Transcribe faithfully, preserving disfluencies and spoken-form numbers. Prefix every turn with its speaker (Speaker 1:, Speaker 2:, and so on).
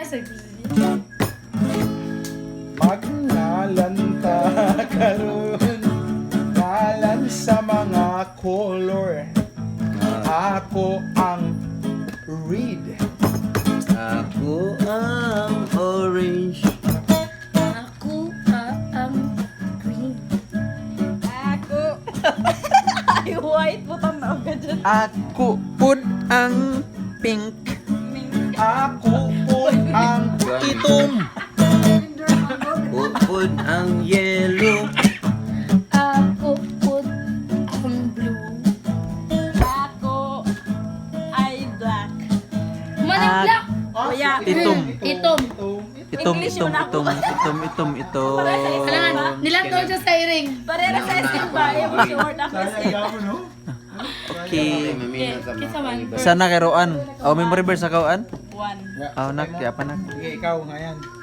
Speaker 1: sa Brazil.
Speaker 2: Magnalanta karon ngalan sa mga color. Ako ang red.
Speaker 3: Ako ang orange.
Speaker 1: Ako ah, ang green.
Speaker 4: Ako. Ay, white. Butang na agad dyan.
Speaker 3: Ako pud ang pink.
Speaker 2: Ako po ang itom.
Speaker 3: Ako pud ang yellow.
Speaker 1: Ako po ang blue.
Speaker 4: Ako ay black.
Speaker 1: Manang
Speaker 3: Ah,
Speaker 1: black.
Speaker 4: Kuya.
Speaker 3: Itom.
Speaker 1: Itom.
Speaker 3: Itom,
Speaker 4: English
Speaker 3: itom,
Speaker 4: yun ako.
Speaker 3: itom, itom, itom, itom.
Speaker 1: Kailangan, nilantaw siya sa iring.
Speaker 4: Parera sa isip ba? Yung short ako sa
Speaker 3: Okay.
Speaker 1: Okay, kisa man.
Speaker 3: Sana kay Roan. Oh, memory verse sa kawan?
Speaker 4: One.
Speaker 3: Oh, nak, kaya pa nak.
Speaker 2: Sige, ikaw nga yan.